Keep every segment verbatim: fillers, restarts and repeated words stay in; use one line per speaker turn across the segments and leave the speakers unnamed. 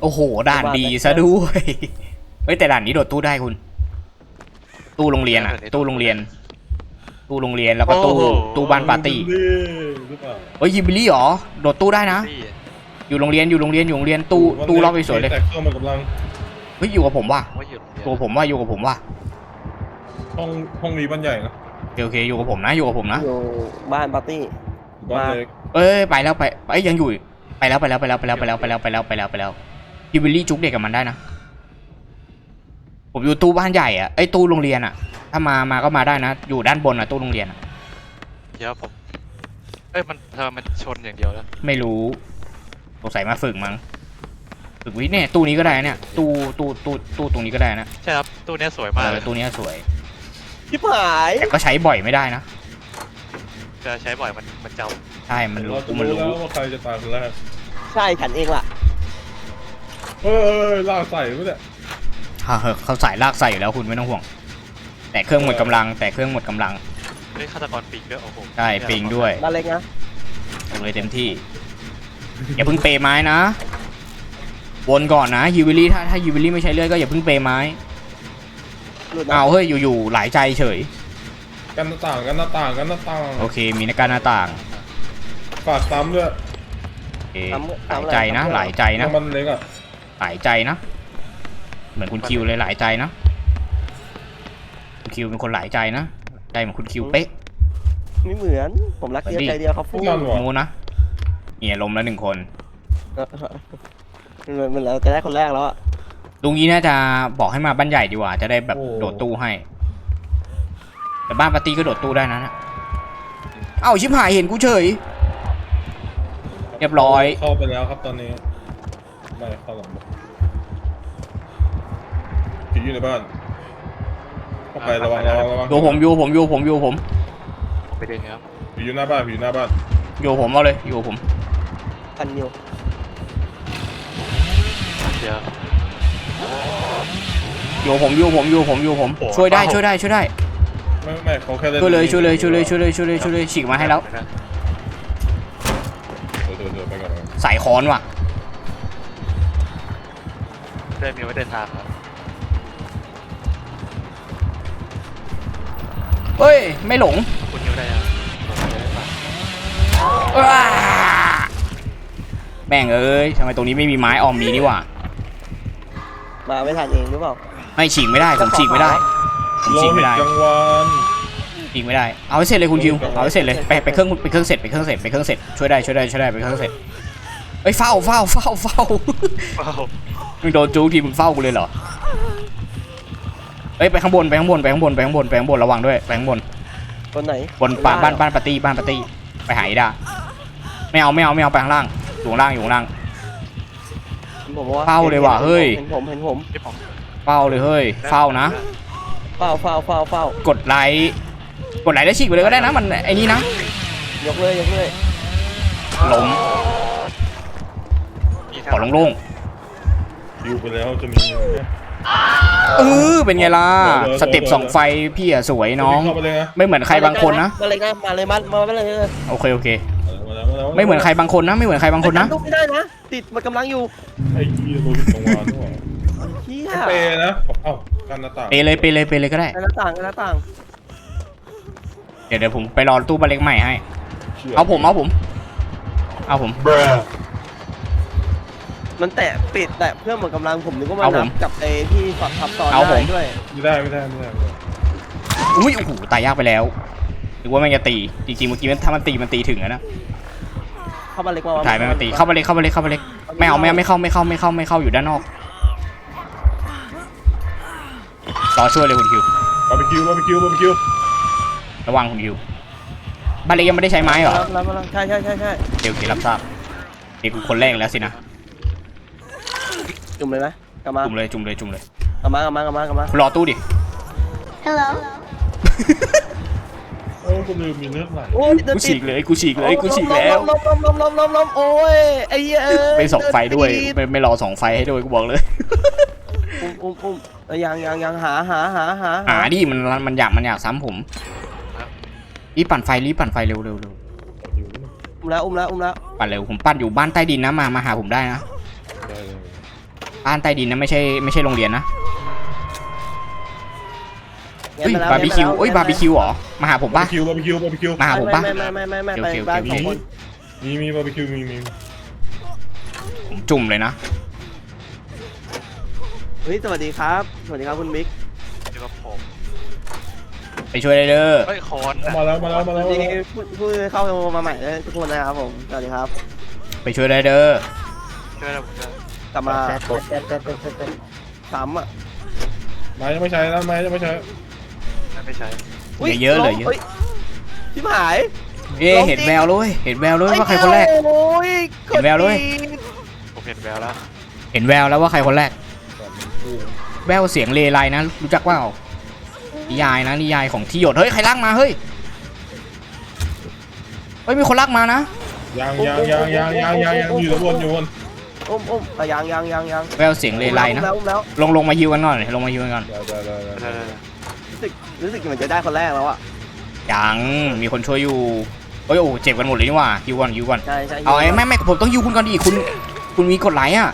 โอ้โหด่านดีซะด้วยเฮ้ยแต่ด่านนี้โดดตู้ได้คุณ ตู้โรงเรียนอะตู้โรงเรียน ตู้โรงเรียนแล้วก็ตู้ตู้บ้านปาร์ตี้เฮ้ยยิบิลี่หรอโดดตู้ได้นะอยู่โรงเรียนอยู่โรงเรียนอยู่โรงเรียนตู้ตู้รอบไปสวยเลยเฮ้ยอยู่กับผมว่ะตัวผมว่าอยู่กับผมว่ะ
ห้องห้องนี้บ้านใหญ่นะ
โอเคอยู่กับผมนะอยู่กับผมนะ
อยู่บ้านปาร์ตี้
บ้านเล็ก
เอ้ยไปแล้วไปไอ้ยังอยู่ไปแล้วไปแล้วไปแล้วไปแล้วไปแล้วไปแล้วไปแล้วไปแล้วไปแล้วยิบิลี่จุกเด็กกับมันได้นะผมอยู่ตู้บ้านใหญ่อะไอ้ตู้โรงเรียนอะถ้ามามาก็มาได้นะอยู่ด้านบนอะตู้โรงเรียนอะ
เดี๋ยวผมเอ้ยมันเธอมันชนอย่างเดียวแล้ว
ไม่รู้สงสัยมาฝึกมั้งฝึกวิเนี่ยตู้นี้ก็ได้เนี่ยตู้ตู้ตู้ตู้ตรงนี้ก็ได้นะ
ใช่ครับตู้นี้สวยมากเลย
ตู้นี้สวย
ชิบหาย
แต่ก็ใช้บ่อยไม่ได้นะ
จะใช้บ่อยมันมันเจ้า
ใช่มันรู้
มันรู้แล้วว่าใครจะตายคนแรก
ใช่ฉันเองล่ะ
เออลากใส่ไม่ได้
เขาใส่ลากใส่อยู่แล้วคุณไม่ต้องห่วงแต่เครื่องหมดกำลังแต่เครื่องหมดกำลัง
เฮ้ยฆาตกรปิงด้วยโอ้โห
ใช่ปิงด้วย
มาเล็กนะ
เลยเต็มที่อย่าเพิ่งเปย์ไม้นะวนก่อนนะยูวิลี่ถ้าถ้ายูวิลี่ไม่ใช้เลือดก็อย่าเพิ่งเปย์ไม้เอาเฮ้ยอยู่ๆหลายใจเฉย
กันหน้าต่างกันหน้าต่างกันหน้าต่าง
โอเคมีหน้าการหน้าต่าง
ฝากซ้ำด้วย
หลายใจนะหลายใจนะ
มันเล็กอะ
หลายใจนะเหมือนคุณคิวเลยหลายใจนะคุณคิวเป็นคนหลายใจนะใจเหมือนคุณคิวเป๊ะ
ไม่เหมือนผมรักเดียวใจเดียวครับฟู
มูนะเนี่ยลมแล้วหนึ่งคน
มันเราจะได้คนแรกแล้วอะ
ลุงนี้น่าจะบอกให้มาบ้านใหญ่ดีกว่าจะได้แบบโดดตู้ให้แต่บ้านปาร์ตี้ก็โดดตู้ได้นะเอ้าชิบหายเห็นกูเฉยเรียบร้อย
เข้าไปแล้วครับตอนนี้ไม่เข้าหลังผีอยู่ในบ้านเข้าไประวังระวังระวัง
อยู่ผมอยู่ผมอยู่ผมอยู่ผม
ไปเดินครับ
ผีอยู่หน้าบ้านผีอยู่หน้าบ้าน
อยู่ผมเอาเลยอยู่ผม
กันอยู่
เดี๋ยว
อยู่ผมอยู่ผมอยู่ผมอยู่ผมช่วยได้ช่วยได้ช่วยได้
ไม่ไม่เขาแค่
ช่วยเลยช่วยเลยช่วยเลยช่วยเลยช่วยเลยช่วยเลยฉีกมาให้แล้วสายค้อนว่ะ
ได้มีไว้เดินทางครับ
เฮ้ยไม่หลง
คุณอยู่ได้ครับ
แม่งเอ้ยทำไมตรงนี้ไม่มีไม้ออมมีนี่วะ
มาไม่ทันเองหรือเปล่า
ไม่ฉีกไม่ได้ผมฉีกไม่ได้ผมฉีกไม่ได้ฉีกไม่ได้เอาให้เสร็จเลยคุณคิวเอาให้เสร็จเลยไปไปเครื่องไปเครื่องเสร็จไปเครื่องเสร็จไปเครื่องเสร็จช่วยได้ช่วยได้ช่วยได้ไปเครื่องเสร็จเฮ้ยเฝ้าเฝ้าเฝ้าเฝ้ามึงโดนจู๊ทีมึงเฝ้ากูเลยเหรอเฮ้ยไปข้างบนไปข้างบนไปข้างบนไปข้างบนไปข้างบนระวังด้วยไปข้างบน
บนไหน
บนบ้านบ้านบ้านปาร์ตี้บ้านปาร์ตี้ไปหายด้าไม่เอาไม่เอาไม่เอาไปข้างล่างอยู่ข้างล่างอยู่ข้างล่างเฝ้าเลยว่ะเฮ้ย
เห็นผมเห็นผม
เฝ้าเลยเฮ้ยเฝ้านะ
เฝ้าเฝ้าเฝ้าเฝ้าก
ดไลค์กดไลค์แล้วฉีกไปเลยก็ได้นะมันไอ้นี่นะ
ยกเลยยกเลย
ล้มขอลงลง
อยู่ไปแล้วจะมี
เออเป็นไงล่ะสเต็ปสองไฟพี่อะสวยน้องไม่เหมือนใครบางคนนะ
มาเลยนะมาเลยมามาเลย
โอเคโอเคไม่เหมือนใครบางคนนะไม่เหมือนใครบางคนนะ
ไม่ได้นะติดมันกำลังอยู่
ไอ้ยี่โดนตรงวานด้วยเปย์นะเอ้ากันหน้าต่าง
เปย์เลยเปย์เลยเปย์เลยก็ได้
หน้าต่างหน้าต่าง
เดี๋ยวเดี๋ยวผมไปรอตู้บ้านเล็กใหม่ให้เอาผมเอาผมเอาผม
มันแตะปิดแตะเพื่อหมดกำลังผมนึกว่ามันนับกับไอ้ที่ฝักทับตอนได้ด้วย
ไม่ได้ไม่ได้ไม่ได้
อุ้ยโอ้โหตายยากไปแล้วนึกว่ามันจะตีจริงๆเมื่อกี้ถ้ามันตีมันตีถึงนะ
เข้ามาเล็กมา
ถ่ายไม่มาตีเข้ามาเล็กเข้ามาเล็กเข้ามาเล็กไม่เอาไม่เอาไม่เข้าไม่เข้าไม่เข้าไม่เข้าอยู่ด้านนอกรอช่วยเลยคุณคิว
บาร์บีคิวบาร์บีคิวบาร์บีคิว
ระวังคุณคิวบ้านเล็กยังไม่ได้ใช้ไม้เหรอ
ใช่ใช่ใช่ใช่
เดี๋ยวคิวรับทราบเด็กคนแรกแล้วสินะ
จุ่มเลยไหมกลับมา
จุ่มเลยจุ่มเลยจุ่มเลย
กลับมากลับมากลับมากลับมาร
อตู้ดิ
Hello
โอ้กูลืมมีเนื้อไหล
กูฉีกเลยกูฉีกเลยกูฉีกแล้ว
ล้มล้มล้มล้มล้มล้มโอ้ยไอ้เอ้ย
ไม่ส่องไฟด้วยไม่ไม่รอส่องไฟให้ด้วยกูบอกเลย
อุ้มอุ้มอุ้มยังยังยังหาหาหาหา
หาดิมันมันอยากมันอยากซ้ำผมรีบปั่นไฟรีบปั่นไฟเร็วเร็วเร็ว
อุ้มแล้วอุ้มแล้วอุ้มแล้ว
ปั่นเร็วผมปั่นอยู่บ้านใต้ดินนะมามาหาผมได้นะบ้านใต้ดินนะไม่ใช่ไม่ใช่โรงเรียนนะ
งั้
เฮ้ย
นมแล้ว
บาร์บีคิว
งั้นมแล้ว
เอ้ยบาร์บีคิวเหรอมาหาผม
บา
ป่ะ
ร์บีคิวบาร์บีคิวบาร์บีคิว
มาหาผมป่ะ
ไม่ไม่ไม่ไม่ไม่
โอ
ไป
เคโอเค
บ้าน
โอ
ส
เค
องคน
มีมีบาร์บีคิวมีมี
ผมจุ่มเลยนะ
เฮ้ยสวัสดีครับสวัสดีครับคุณมิก
อยู่กับผม
ไปช่วยได้เด้อ
เฮ้ยคอน
มาแล้วมาแล้วมา
ส
แล้ว
วัสดีผู้ผู้เข้ามาใหม่เลยทุกคนนะครับผมสวัสดีครับ
ไปช่วยได้เด้อ
ช่วยเราผมช่วย
กลับมาซ้ำอ่ะ
ไม้ยังไม่ใช้นะไม้ยังไม่ใช้
ไม่ใช้
เหลือเยอะเหลยเยอะ
ชิบหาย
เอ๊ะเห็นแววเลยเห็นแววเลยว่าใครคนแรก
โอ้ย
เห็นแววเลย
ผมเห็นแววแล้ว
เห็นแววแล้วว่าใครคนแรก แววเสียงเลไลนะรู้จักเปล่านิยายนะนิยายของที่หยดเฮ้ยใครลากมาเฮ้ยเฮ้ยมีคนลากมานะ
ยังยังยังยังยังยังยังอยู่บนอยู่บน
อุ้มอุ้มอ่ะยังยังยังยัง
แววเสียงเลไลนะ
อุ้มแล้ว
ลงลงมาฮิวกันก่อนลงมาฮิวกันก่อน
ได้ได้ได้ได้
รู้สึกรู้สึกเหมือนจะได้คนแรกแล้วอ่ะ
ยังมีคนช่วยอยู่เฮ้ยโอ้เจ็บกันหมดเลยนี่หว่าฮิวก่อนฮิวก่อน
ใช่ใช่
เอาไอ้ไม่ไม่ผมต้องฮิวคุณก่อนดิคุณคุณมีกดไลค์อ่ะ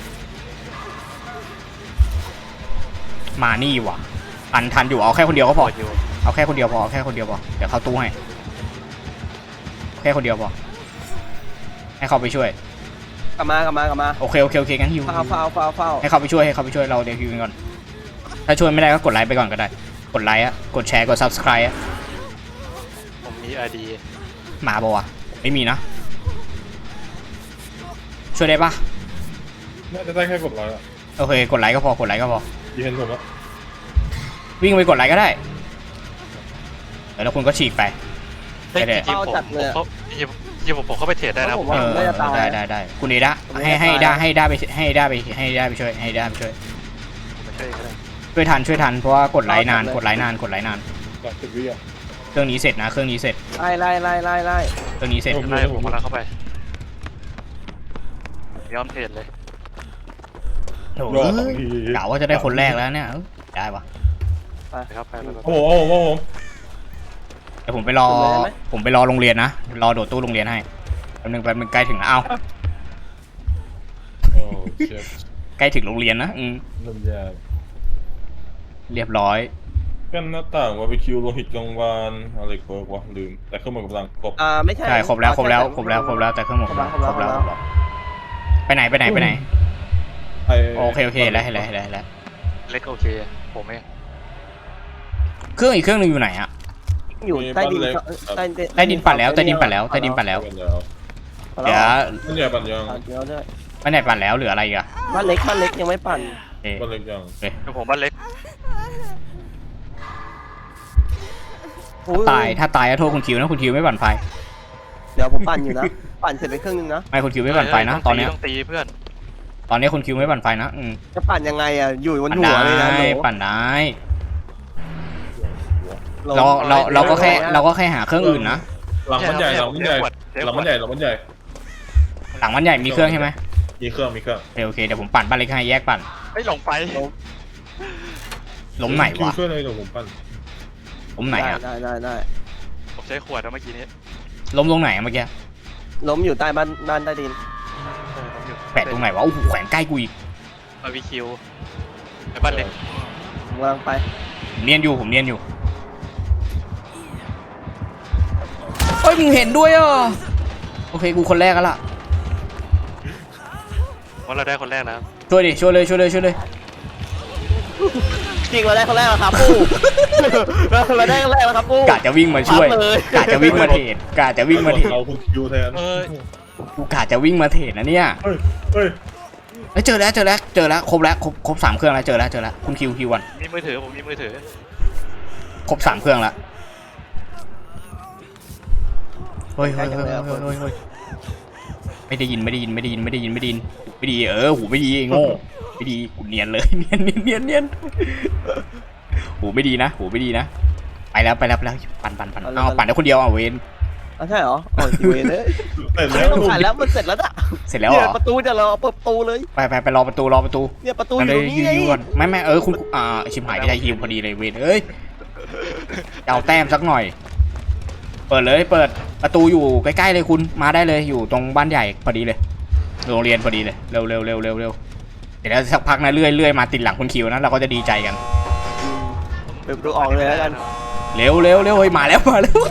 มานี่ว่ะทันทันอยู่เอาแค่คนเดียวก็พอ
อยู่
เอาแค่คนเดียวพอเอาแค่คนเดียวพอเดี๋ยวเข้าตู้ให้แค่คนเดียวพอให้เขาไปช่วย
กลับมากลับมากลับมา
โอเคโอเคโอเคงั้นฮิว
เฝ้าเฝ้าเฝ้าเฝ้า
ให้เขาไปช่วยให้เขาไปช่วยเราเดี๋ยวฮิวกันก่อนถ้าช่วยไม่ได้ก็กดไลค์ไปก่อนก็ได้กดไลค์อะกดแชร์กด subscribe อะ
ผมมีไอดี
มาปะวะไม่มีนะช่วยได้ปะ
น่าจะได้แค่กดไลค์อะ
โอเคกดไลค์ก็พอกดไลค์ก็พอ
ดีเห็นผมแล้ว
วิ่งไปกดไลค์ก็ได้แล้วคุณก็ฉีกไป
เฮ้ย
ได้
จริงๆผมผมเขาจริงๆผมผมเข้าไปเทรดได้นะ
ผม
เอ
ว่า
อ
น่าจะตาย
ได้ได้ได้คุณเอดะให้ให้ได้ให้ได้ไปให้ได้ไปให้ได้ไปช่วยให้ได้ไปช่วย
ผมไปช่วยก็ได้
ช่วยทันช่วยทันเพราะว่ากดไลค์นานกดไลค์นานกดไลค์นาน
กับสิบวิอ่ะ
เครื่องนี้เสร็จนะเครื่องนี้เสร็จ
ไล่ไล่ไล่ไล่ไล่
เครื่องนี้เสร็จ
ไล่ผมกำลังเข้าไปยอมเทรดเลย
โถ่
รอสองที
กะว่าจะได้คนแรกแล้วเนี่ยเอ้ยได้ปะ
ไปครับไปไปไป
โอ้โหโอ้โหโอ้โห
เดี๋ยวผมไปรอผมไปรอโรงเรียนนะรอโดดตู้โรงเรียนให้แป๊บนึงแป๊บนึงใกล้ถึงแล้วเอ้า
โอ้เชฟ
ใกล้ถึงโรงเรียนนะอืม
น้ำยา
เรียบร้อย
กันหน้าต่างบาร์บีคิวโลหิตกลางวานอะไรเปิร์กวะลืมแต่เครื่องมือกำลังครบ
อ่าไม่ใช่
ใช่ครบแล้วครบแล้วครบแล้วครบแล้วแต่เครื่องหมดครบแล้วครบแล้วไปไหนไปไหนไปไหน
ไอ้
โอเคโอเคเห็นแล้วเห็นแล้วเห็นแล้วเห็นแล้ว
เล็กโอเคผมเอง
เครื่องอีกเครื่องหนึงอยู่ไหนอะ
อยู่ใต้ดินใต้
ใต้ดินปั่นแล้วใต้ดินปั่นแล้วใต้ดินปั่นแล้ว
ปั่นแล้ว
เดี๋ยว
มันใหญ่ปั่นยัง
ปั่นเดียวด้วย
ไปไหนปั่นแล้วเหลืออะไรอีกอะ
บ้านเล็กบ้านเล็กยังไม่ปั่น
เอ๊ะ
ปั่นเล็กยัง
เอ๊ะ
คือผมบ้านเล็ก
ตายถ้าตายก็โทษคุณคิวนะคุณคิวไม่ปั่นไฟ
เดี๋ยวผมปั่นอยู่นะปั่นเสร็จไปครึ่งนึงนะ
ไม่คุณคิวไม่ปั่นไฟนะตอนเนี้ย
ต้องตีเพื่อน
ตอนนี้คุณคิวไม่ปั่นไฟนะอืม
จะปั่นยังไงอ่ะอยู่บน
ปั่น
หัวเลยนะ
ได้
โห
ปั่นได้
ลง
เราเราเราก็แค่เราก็แค่หาเครื่องอื่นนะ
หลังมันใหญ่หลังมันใหญ่หลังมันใหญ่หลังมันใหญ่
หลังมันใหญ่มีเครื่องใช่ไหม
มีเครื่องมีเครื่อง
โอเคโอเคเดี๋ยวผมปั่นบ้านเล็กให้แยกปั่น
เฮ้ยหลงไฟ
ล้มไหน
คิว
วะ
ช่วยเลยเดี๋ยวผมปั่น
ล้มไหนอะ
ได้ได้ได้
ผมใช้ขวดแล้วเมื่อกี้นี้
ล้มตรงไหนอะเมื่อกี้
ล้มอยู่ใต้บ้านบ้านใต้ดิน
แปะตรงไหนวะโอ้โหแขวนใกล้กูอีก
บาร์บีคิวไปบ้านเล็ก
ผมกำลังไป
ผมเนียนอยู่ผมเนียนอยู่เฮ้ยมึงเห็นด้วยอ่ะโอเคกูคนแรกแล้วล่ะ
เพราะเราได้คนแรกแล้ว
ช่วยดิช่วยเลยช่วยเลยช่วยเลย
จริงเราได้คนแรกแล้วครับปูเราได้คนแรกแล้วครับปู
กะจะวิ่งมาช่วย
ปั๊บเลย
กะจะวิ่งมาเทรดกะจะวิ่งมาเทรด
เราคุณคิวแทน
เออ
กูกะจะวิ่งมาเทรดนะเนี่ย
เฮ้ยเฮ้ย
เอ้ยเจอแล้วเจอแล้วเจอแล้วครบแล้วครบครบสามเครื่องแล้วเจอแล้วเจอแล้วคุณคิวคิววัน
มีมือถือผมมีมือถือ
ครบสามเครื่องแล้วเฮ้ยเฮ้ยเฮ้ยเฮ้ยเฮ้ยเฮ้ยไม่ได้ยินไม่ได้ยินไม่ได้ยินไม่ได้ยินไม่ได้ยินไม่ดีเออหูไม่ดีไอ้โง่ไม่ดีกูเนียนเลยเนียนเนียนเนียนเนียนหูไม่ดีนะหูไม่ดีนะไปแล้วไปแล้วไปแล้วปั่นปั่นปั่นเอาปั่นได้คนเดียวเอาเวน
อ๋อใช่เหรอโอ้ยเวรเลย
เสร็จ
ไม่
แล้ว
ต้องถ่ายแล้วมันเสร็จแล้วอ่ะ
เสร็จแล้วเหรอ
ประตูจะรอเปิดประตูเลย
ไปไปไปรอประตูรอประตู
เนี่ยประตูอ
มัน
ยู่
เล
ต
ย
รงนี้
ยื
ไง
นก่อนไม่ไม่เออคุณอ่าชิมหายไม่ได้ยิวพอดีเลยเวนเอ้ยเอาแต้มสักหน่อย เปิดเลยเปิดประตูอยู่ใกล้ๆเลยคุณมาได้เลยอยู่ตรงบ้านใหญ่พอดีเลยโรงเรียนพอดีเลยเร็วเร็วเร็วเร็วเร็วเดี๋ยวสักพักนะเลื่อยเลื่อยมาติดหลังคุณคิวนะเราก็จะดีใจกัน
เปิดประตูออกเลยแล้วกัน
เร็วเร็วเร็วเฮ้ยมาแล้วมาแล้ว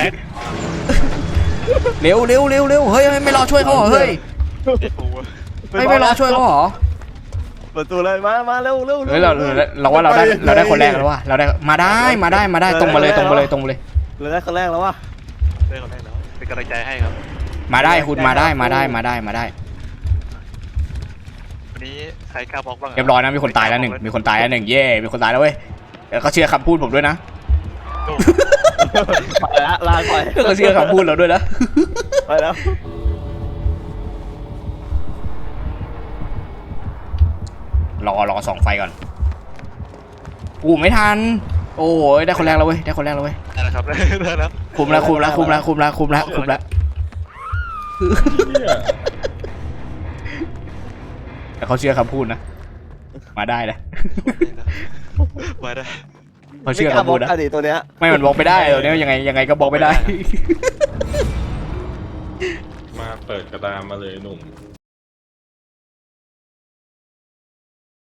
เร็วเร็วเร็วเร็วเฮ้ยไม่รอช่วยเขาเหรอเฮ้ย
ไอ้ปูอะ
ไม่ไม่รอช่วยเขาเหรอ
เปิดประตูเลยมามาเร็วเร็ว
เฮ้ยเราเราเราว่าเราได้เราได้คนแรกแล้วว่ะเราได้มาได้มาได้มาได้ตรงมาเลยตรงมาเลยตรงมาเลย
เราได้คนแรกแล้ววะ
ได้คนแรกแล้วเป็นกำลังใจให้ครับ
มาได้คุณมาได้มาได้มาได้มาได้
วันนี้ใครกล้าบล็อกบ้างะ
เรียบร้อยนะมีคนตายแล้วหนึ่งมีคนตายแล้วหนึ่งเย่มีคนตายแล้วเว้ยแล้วเขาเชื่อคำพูดผมด้วยนะ
โอ้
ไปละลาไป
เขาเชื่อคำพูดเราด้วยนะ
ไปแล้ว
รอรอสองไฟก่อนอู้ไม่ทันโอ้ยได้คนแรกแล้วเว้ยได้คนแรกแล้วเว้ย
ได้แล้วครับได้แล้ว
คุมแล้วคุมแล้วคุมแล้วคุมแล้วคุมแล้วคุมแล้ว
เนี่ย
แต่เขาเชื่อคำพูดนะมาได้เลย
มาได้
เขาเชื่อคำพูดนะ
อดีตตัวเนี้ย
ไม่มันบอกไม่ได้ตัวนี้ยังไงยังไงก็บอกไม่ได้
มาเปิดกระดานมาเลยหนุ่ม